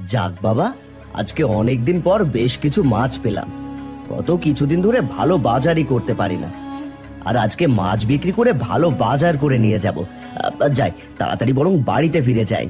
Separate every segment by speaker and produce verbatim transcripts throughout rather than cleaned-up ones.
Speaker 1: যাক বাবা, আজকে অনেকদিন পর বেশ কিছু মাছ পেলাম। গত কিছুদিন ধরে ভালো বাজারই করতে পারি না, আর আজকে মাছ বিক্রি করে ভালো বাজার করে নিয়ে যাব। আহ, যাই তাড়াতাড়ি বরং বাড়িতে ফিরে যাই।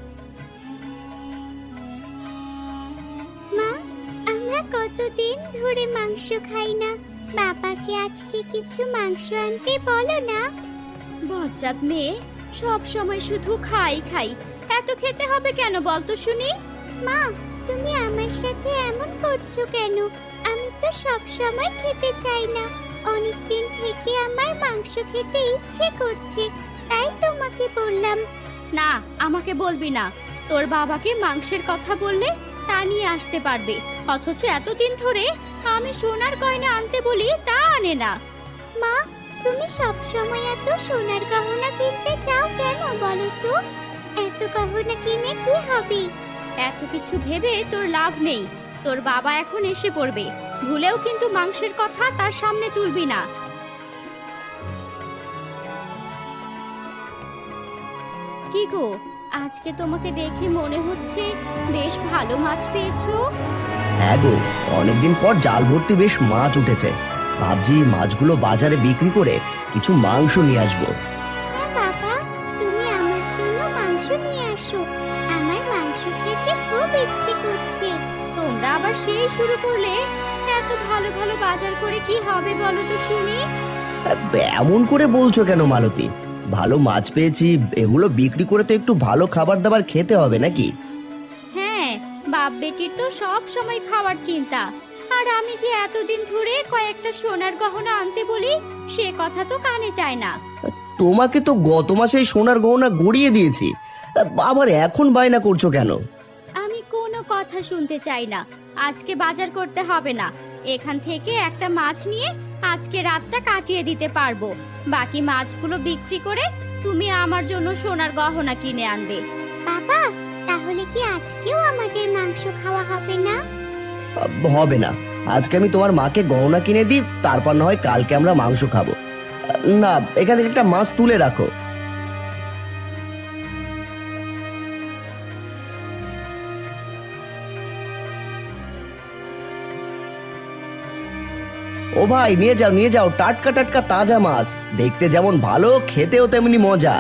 Speaker 2: মা, আমরা কতদিন ধরে মাংস খাই না। বাবাকে আজকে কিছু মাংস আনতে বলো না।
Speaker 3: বজ্জাত মেয়ে, সব সময় শুধু খাই খাই। এত খেতে হবে কেন বলতো শুনি?
Speaker 2: মা, তুমি আমার সাথে এমন করছো কেন? আমি তো সব সময় খেতে চাই না। অনেকদিন থেকে আমার মাংস খেতে ইচ্ছে করছে, তাই তোমাকে বললাম।
Speaker 3: না, আমাকে বলবি না। তোর বাবাকে মাংসের কথা বললে তা নিয়ে আসতে পারবে, অথচ এতদিন ধরে আমি সোনার গয়না আনতে বলি তা আনে না।
Speaker 2: মা, তুমি সব সময় এত সোনার গহনা কিনতে চাও কেন বলো তো? এত গহনা কিনে কি হবে?
Speaker 3: এত কিছু ভেবে তোর লাভ নেই। তোর বাবা এখন এসে পড়বে, ভুলেও কিন্তু মাংসের কথা তার সামনে তুলবি না। কি গো, আজকে তোমাকে দেখে মনে হচ্ছে বেশ ভালো মাছ পেয়েছো।
Speaker 1: হ্যাঁ গো, অনেকদিন পর জাল ভর্তি বেশ মাছ উঠেছে। ভাবছি মাছগুলো বাজারে বিক্রি করে কিছু মাংস নিয়ে আসবো।
Speaker 2: হ্যাঁ বাবা, তুমি আমার জন্য মাংস নিয়ে আসো। আমার মাংস খেতে খুব ইচ্ছে করছে।
Speaker 3: তোমরা আবার সেই শুরু করলে? এত ভালো ভালো বাজার করে কি হবে বলো তো শুনি?
Speaker 1: এমন করে বলছো কেন মালতী? ভালো মাছ পেয়েছি, এগুলো বিক্রি করে তো একটু ভালো খাবার দাবার খেতে হবে নাকি?
Speaker 3: হ্যাঁ, বাপ বেটির তো সব সময় খাওয়ার চিন্তা। আর আমি যে এতদিন ধরে কয়েকটা সোনার গহনা আনতে বলি, সে কথা তো কানে চায় না।
Speaker 1: তোমাকে তো গত মাসে সোনার গহনা গড়িয়ে দিয়েছি, আবার এখন বায়না করছো কেন?
Speaker 3: আমি কোনো কথা শুনতে চাই না। আজকে বাজার করতে হবে না। এখান থেকে একটা মাছ নিয়ে আজকে রাতটা কাটিয়ে দিতে পারবো। বাকি মাছগুলো বিক্রি করে তুমি আমার জন্য সোনার গহনা কিনে আনবে।
Speaker 2: বাবা, তাহলে কি আজকেও আমাদের মাংস খাওয়া হবে না?
Speaker 1: হবে না, আজকে আমি তোমার মাকে গহনা কিনে দিই, তারপর না হয় কালকে আমরা মাংস খাবো। না, এখান থেকে একটা মাছ তুলে রাখো। ও ভাই, নিয়ে যাও নিয়ে যাও, টাটকা টাটকা তাজা মাছ, দেখতে যেমন ভালো খেতেও তেমনি মজা।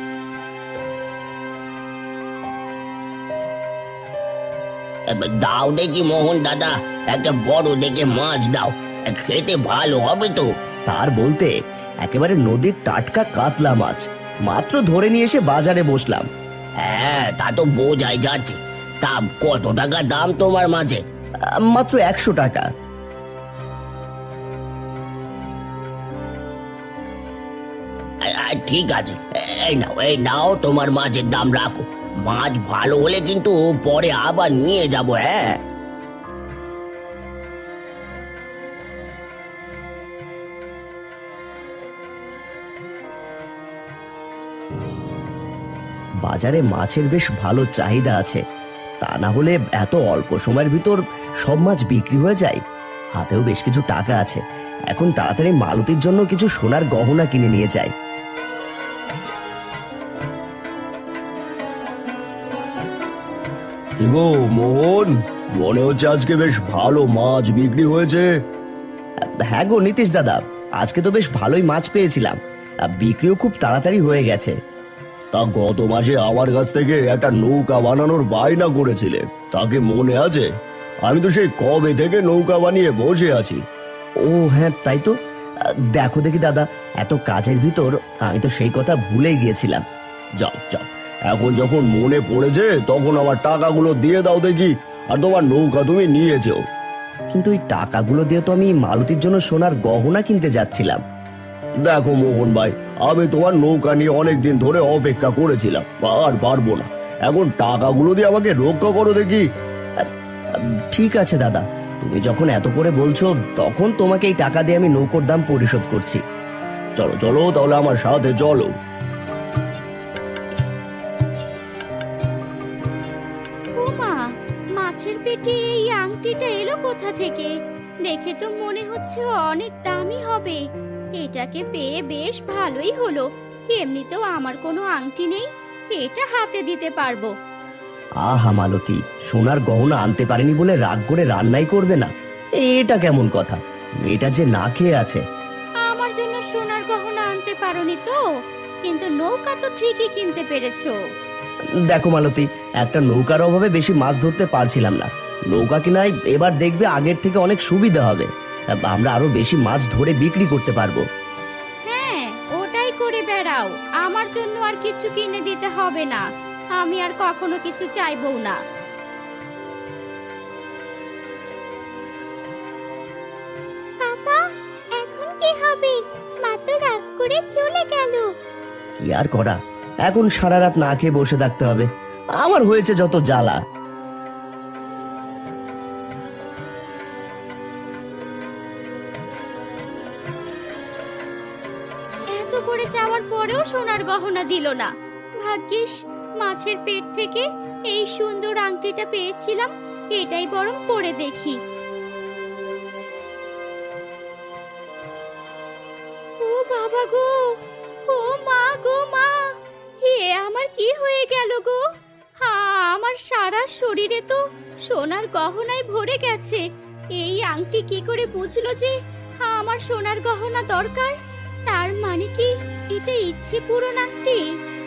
Speaker 4: দাও দেখি মোহন দাদা, একটা বড় দেখে মাছ দাও, খেতে ভালো হবে তো।
Speaker 1: তার বলতে একেবারে নদীর টাটকা কাতলা মাছ মাত্র ধরে নিয়ে এসে বাজারে বসলাম।
Speaker 4: হ্যাঁ, তা তো বোঝাই যাচ্ছে। তা কত টাকা দাম তোমার মাছে?
Speaker 1: আহ, মাত্র একশো টাকা।
Speaker 4: আ- আ, ঠিক আছে, এই নাও এই নাও, তোমার মাছের দাম রাখো। মাছ ভালো হলে কিন্তু পরে আবার নিয়ে যাব। হ্যাঁ,
Speaker 1: বাজারে মাছের বেশ ভালো চাহিদা আছে, তা না হলে এত অল্প সময়ের ভিতর সব মাছ বিক্রি হয়ে যায়। হাতেও বেশ কিছু টাকা আছে, এখন তাড়াতাড়ি মালতীর জন্য কিছু সোনার গহনা কিনে নিয়ে যাই। গো মোহন, মনে হচ্ছে আজকে বেশ ভালো মাছ বিক্রি হয়েছে। হ্যাঁ গো নীতিশ দাদা, আজকে তো বেশ ভালোই মাছ পেয়েছিলাম, আর বিক্রিও খুব তাড়াতাড়ি হয়ে গেছে। তা গত মাসে আমার কাছ থেকে একটা নৌকা বানানোর বায়না করেছিলে, তাকে মনে আছে? আমি তো সেই কবে থেকে নৌকা বানিয়ে বসে আছি। ও হ্যাঁ, তাই তো। আহ, দেখো দেখি দাদা, এত কাজের ভিতর আমি তো সেই কথা ভুলে গিয়েছিলাম। যাও যাও, এখন যখন মনে পড়েছে তখন আমার টাকাগুলো দিয়ে দাও দেখি, আর তোমার নৌকা তুমি নিয়ে যেও। কিন্তু এই টাকাগুলো দিয়ে তো আমি মালতীর জন্য সোনার গহনা কিনতে যাচ্ছিলাম। দেখো মোহন ভাই, আমি তোমার নৌকা নিয়ে অনেকদিন ধরে অপেক্ষা করেছিলাম, আর পারবো না। এখন টাকাগুলো দিয়ে আমাকে রক্ষা করো দেখি। ঠিক আছে দাদা, তুমি যখন এত করে বলছো, তখন তোমাকে এই টাকা দিয়ে আমি নৌকোর দাম পরিশোধ করছি। চলো চলো তাহলে আমার সাথে চলো।
Speaker 3: ও মা, মাছের পেটে এই আংটিটা এলো কোথা থেকে? দেখে তো মনে হচ্ছে অনেক দামি হবে। এটাকে পেয়ে বেশ ভালোই হলো। এমনিতেও আমার কোনো আংটি নেই, এটা হাতে দিতে পারবো।
Speaker 1: আহা মালতী, সোনার গহনা আনতে পারেনি বলে রাগ করে রান্নাই করবে না? এটা কেমন কথা? মেয়েটা যে না খেয়ে আছে।
Speaker 3: আমার জন্য সোনার গহনা আনতে পারোনি তো, কিন্তু নৌকা তো ঠিকই কিনতে পেরেছো।
Speaker 1: দেখো মালতী, একটা নৌকার অভাবে বেশি মাছ ধরতে পারছিলাম না। নৌকা কিনাই এবার দেখবে আগের থেকে অনেক সুবিধা হবে। আমরা আরো বেশি মাছ ধরে বিক্রি করতে পারবো।
Speaker 3: হ্যাঁ, ওটাই করে বেড়াও, আমার জন্য আর কিছু কিনে দিতে হবে না। আমি আর কখনো কিছু চাইবো না।
Speaker 2: বাবা, এখন কি হবে? মা তো রাগ করে চলে গেল।
Speaker 1: কি আর করা, এখন সারা রাত না খেয়ে বসে থাকতে হবে। আমার হয়েছে যত জ্বালা।
Speaker 3: এত করে চাওয়ার পরেও সোনার গহনা দিল না। ভাগ্যিস মাছের পেট থেকে এই সুন্দর আংটিটা পেয়েছিলাম, এটাই বরং পরে দেখি। ও বাবা গো, ও মা গো মা, হে আমার কি হয়ে গেল গো? হ্যাঁ, আমার সারা শরীরে তো সোনার গহনায় ভরে গেছে। এই আংটি কি করে বুঝলো যে আমার সোনার গহনা দরকার? তার মানে কি এটা ইচ্ছে পূরণ আংটি?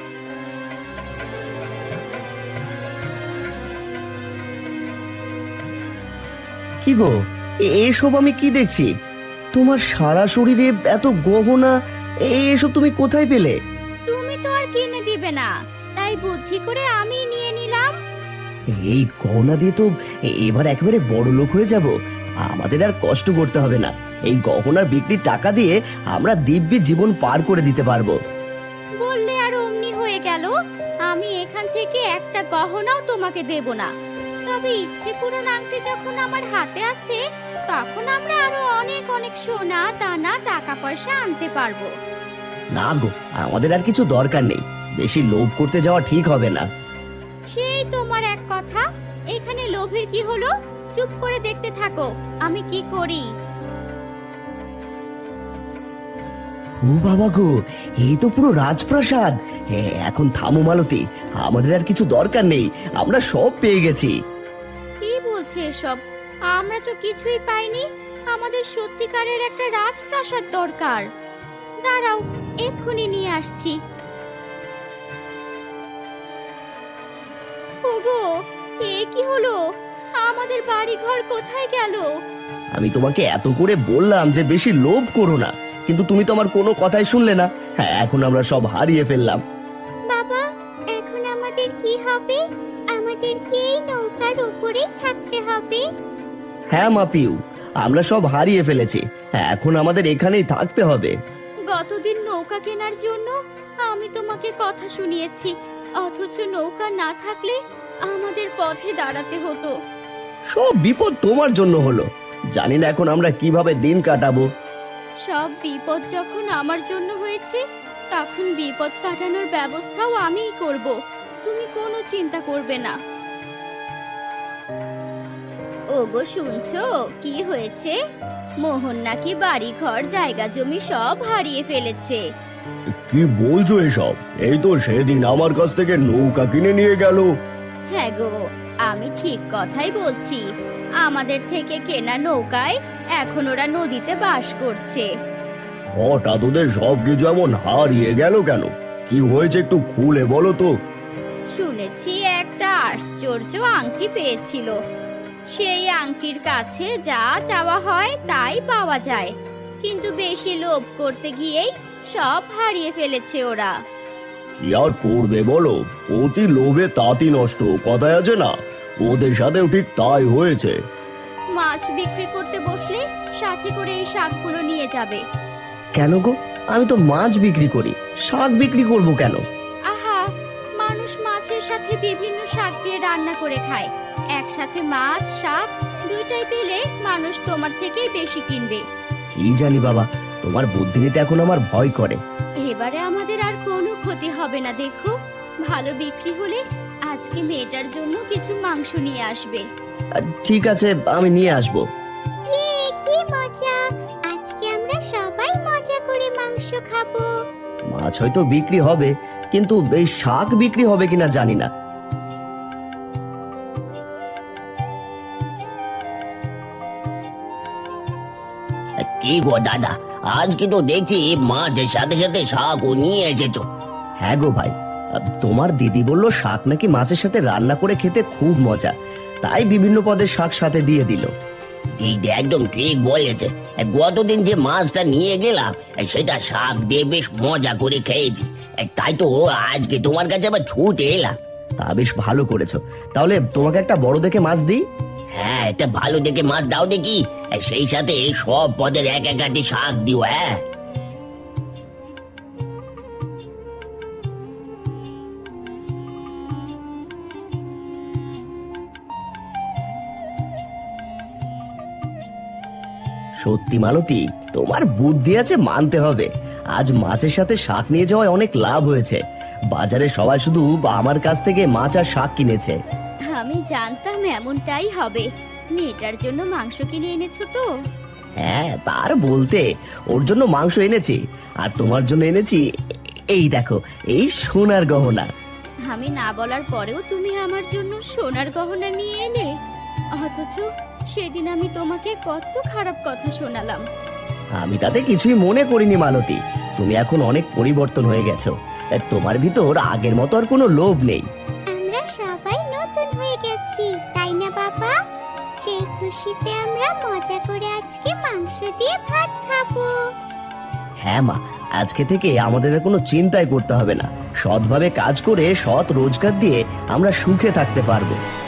Speaker 1: কি গো, এ- এসব আমি কি দেখছি? তোমার সারা শরীরে এত গহনা, এ- এসব তুমি কোথায় পেলে?
Speaker 3: তুমি তো আর কিনে দিবে না, তাই বুদ্ধি করে আমি নিয়ে নিলাম।
Speaker 1: এই গহনা দিয়ে তো এ- এবার একেবারে বড় লোক হয়ে যাব। আমাদের আর কষ্ট করতে হবে না। এই গহনার বিক্রির টাকা দিয়ে আমরা দিব্যি জীবন পার করে দিতে পারবো।
Speaker 3: বললে আর অমনি হয়ে গেল। আমি এখান থেকে একটা গহনাও তোমাকে দেব না। তবে ইচ্ছে পূরণ আংটি যখন আমার হাতে আছে, তখন আমরা আরো অনেক অনেক সোনা দানা টাকা পয়সা আনতে পারবো।
Speaker 1: না গো, আমাদের আর কিছু দরকার নেই। বেশি লোভ করতে যাওয়া ঠিক হবে না।
Speaker 3: সেই তোমার এক কথা, এখানে লোভের কি হলো? চুপ করে দেখতে থাকো আমি কি করি।
Speaker 1: ও বাবা গো, এই তো পুরো রাজপ্রাসাদ। এ, এখন থামো মালতী, আমাদের আর কিছু দরকার নেই। আমরা সব পেয়ে গেছি।
Speaker 3: কি বলছে এসব? আমরা তো কিছুই পাইনি। আমাদের সত্যিকারের একটা রাজপ্রাসাদ দরকার। দাঁড়াও, এক্ষুনি নিয়ে আসছি। ওগো, এ কি হলো? আমাদের বাড়ি ঘর কোথায় গেল?
Speaker 1: আমি তোমাকে এত করে বললাম যে বেশি লোভ করো না, কিন্তু তুমি তো আমার কোনো কথাই শুনলে না। হ্যাঁ, এখন আমরা সব হারিয়ে ফেললাম।
Speaker 2: বাবা, এখন আমাদের কি হবে? আমাদের কি এই নৌকার উপরেই থাকতে হবে?
Speaker 1: হ্যাঁ মা পিউ, আমরা সব হারিয়ে ফেলেছি। হ্যাঁ, এখন আমাদের এখানেই থাকতে হবে।
Speaker 3: গতদিন নৌকা কেনার জন্য আমি তোমাকে কথা শুনিয়েছি, অথচ নৌকা না থাকলে আমাদের পথে দাঁড়াতে হতো।
Speaker 1: সব বিপদ তোমার জন্য হলো। জানি না এখন আমরা কিভাবে দিন কাটাবো।
Speaker 3: সব বিপদ যখন আমার জন্য হয়েছে, তখন বিপদ কাটানোর ব্যবস্থাও আমিই করব। তুমি কোনো চিন্তা করবে না। ওগো, শুনছো কি হয়েছে? মোহন নাকি বাড়ি ঘর জায়গা জমি সব হারিয়ে ফেলেছে।
Speaker 1: কি বলছো এসব? এই তো সেদিন আমার কাছ থেকে নৌকা কিনে নিয়ে গেল।
Speaker 3: হ্যাঁ গো, আমি ঠিক কথাই বলছি। আমাদের থেকে কেনা নৌকায় এখন ওরা নদীতে বাস করছে।
Speaker 1: হঠাৎ ওদের সবকিছু এমন হারিয়ে গেল কেন? কি হয়েছে একটু খুলে বলো তো।
Speaker 3: শুনেছি একটা আশ্চর্য আংটি পেয়েছিল। সেই আংটির কাছে যা চাওয়া হয় তাই পাওয়া যায়, কিন্তু বেশি লোভ করতে গিয়েই সব হারিয়ে ফেলেছে ওরা।
Speaker 1: কি আর করবে বলো, অতি লোভে তাঁতি নষ্ট, কথায় আছে না? ওদের সাথেও ঠিক তাই হয়েছে।
Speaker 3: মাছ বিক্রি করতে বসলে সাথে করে এই শাকগুলো নিয়ে যাবে।
Speaker 1: কেন গো? আমি তো মাছ বিক্রি করি, শাক বিক্রি করব কেন?
Speaker 3: আহা, মানুষ মাছের সাথে বিভিন্ন শাক দিয়ে রান্না করে খায়। একসাথে মাছ শাক দুইটাই পেলে মানুষ তোমার থেকেই বেশি কিনবে।
Speaker 1: কি জানি বাবা, তোমার বুদ্ধি নিতে এখন আমার ভয় করে।
Speaker 3: এবারে আমাদের আর কোনো ক্ষতি হবে না। দেখো, ভালো বিক্রি হলে আজকে মেয়েটার জন্য কিছু মাংস নিয়ে আসবে।
Speaker 1: আহ, ঠিক আছে, আমি নিয়ে আসবো।
Speaker 2: ইয়ে, কি মজা! আজকে আমরা সবাই মজা করে মাংস খাবো।
Speaker 1: মাছ হয়তো বিক্রি হবে, কিন্তু এই শাক বিক্রি হবে কিনা জানি না।
Speaker 4: কি গো দাদা, আজকে তো দেখছি মাছের সাথে সাথে শাকও নিয়ে এসেছো।
Speaker 1: হ্যাঁ গো ভাই, তোমার দিদি বললো শাক নাকি মাছের সাথে রান্না করে খেতে খুব মজা, তাই বিভিন্ন পদের শাক সাথে দিয়ে দিল।
Speaker 4: এই যে একদম ঠিক বলেছে, গতদিন যে মাছটা নিয়ে গেলাম সেটা শাক দিয়ে বেশ মজা করে খেয়েছি, তাই তো আজকে তোমার কাছে আবার ছুটে এলাম।
Speaker 1: তা বেশ ভালো করেছো। তাহলে তোমাকে একটা বড় দেখে মাছ দিই।
Speaker 4: হ্যাঁ, একটা ভালো দেখে মাছ দাও দেখি, সেই সাথে সব পদের এক এক আটি শাক দিও। হ্যাঁ,
Speaker 1: সত্যি মালতী, তোমার বুদ্ধি আছে মানতে হবে। আজ মাছের সাথে শাক নিয়ে যাওয়ায় অনেক লাভ হয়েছে। বাজারে সবাই শুধু আমার কাছ থেকে মাছ আর শাক কিনেছে।
Speaker 3: আমি জানতাম এমনটাই হবে। মেয়েটার জন্য মাংস কিনে এনেছো তো?
Speaker 1: হ্যাঁ, তার বলতে, ওর জন্য মাংস এনেছি, আর তোমার জন্য এনেছি এই দেখো, এই সোনার গহনা।
Speaker 3: আমি না বলার পরেও তুমি আমার জন্য সোনার গহনা নিয়ে এলে, অথচ সেদিন আমি তোমাকে কত খারাপ কথা শোনালাম।
Speaker 1: আমি তাতে কিছুই মনে করিনি মালতী, তুমি এখন অনেক পরিবর্তন হয়ে গেছো। তোমার ভিতর আগের মতো আর কোনো লোভ নেই।
Speaker 2: আমরা সবাই নতুন হয়ে গেছি, তাই না বাবা? সেই খুশিতে আমরা মজা করে আজকে মাংস দিয়ে ভাত খাবো।
Speaker 1: হ্যাঁ মা, আজকে থেকে আমাদের আর কোনো চিন্তাই করতে হবে না। সৎভাবে কাজ করে সৎ রোজগার দিয়ে আমরা সুখে থাকতে পারবো।